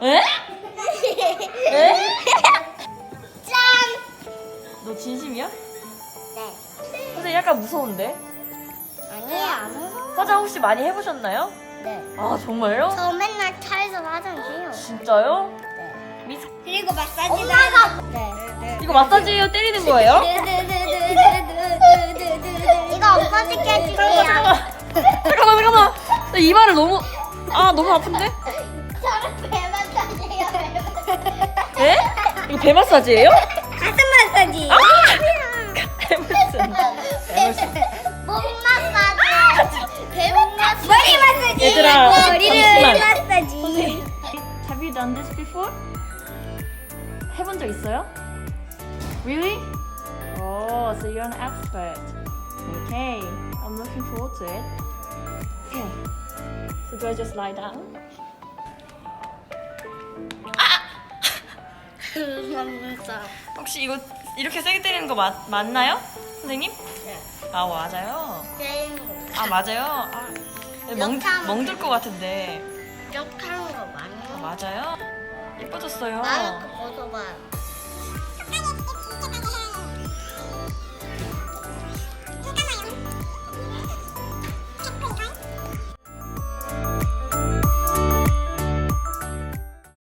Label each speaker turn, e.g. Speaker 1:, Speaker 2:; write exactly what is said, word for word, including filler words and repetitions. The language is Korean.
Speaker 1: 에? 에?
Speaker 2: 짠!
Speaker 1: 너 진심이야?
Speaker 2: 네.
Speaker 1: 선생님 약간 무서운데?
Speaker 2: 아니에요, 안 무서워.
Speaker 1: 화장 혹시 많이 해보셨나요?
Speaker 2: 네.
Speaker 1: 아 정말요?
Speaker 2: 저 맨날 차에서 화장해요.
Speaker 1: 진짜요?
Speaker 2: 네.
Speaker 1: 미스...
Speaker 2: 그리고 마사지도 엄마가 네.
Speaker 1: 이거 마사지예요? 때리는 거예요?
Speaker 2: 이거 엄마 시켜줄게요.
Speaker 1: 잠깐만 잠깐만 나 이마를 너무 아 너무 아픈데?
Speaker 2: 저는 배 마사지예요.
Speaker 1: 에? 이거 배 마사지예요?
Speaker 2: 가슴 마사지.
Speaker 1: 아! 에merson 에merson
Speaker 2: 몸 마사지. 배 마사지. 머리 마사지.
Speaker 1: 얘들아,
Speaker 2: 머리를
Speaker 1: 잠시만.
Speaker 2: 마사지.
Speaker 1: Have you done this before? 해본 적 있어요? Really? Oh, so you're an expert. Okay, I'm looking forward to it. Okay, so do I just lie down?
Speaker 2: 감사합니다.
Speaker 1: 혹시 이거 이렇게 세게 때리는 거 맞, 맞나요? 선생님?
Speaker 2: 네.
Speaker 1: 아 맞아요.
Speaker 2: 게임
Speaker 1: 아 맞아요. 아, 멍,
Speaker 2: 이렇게 하면
Speaker 1: 멍들 것 같은데.
Speaker 2: 이렇게 하는 거 많이
Speaker 1: 아,
Speaker 2: 해요.
Speaker 1: 맞아요. 예뻐졌어요.
Speaker 2: 마스크 벗어봐요.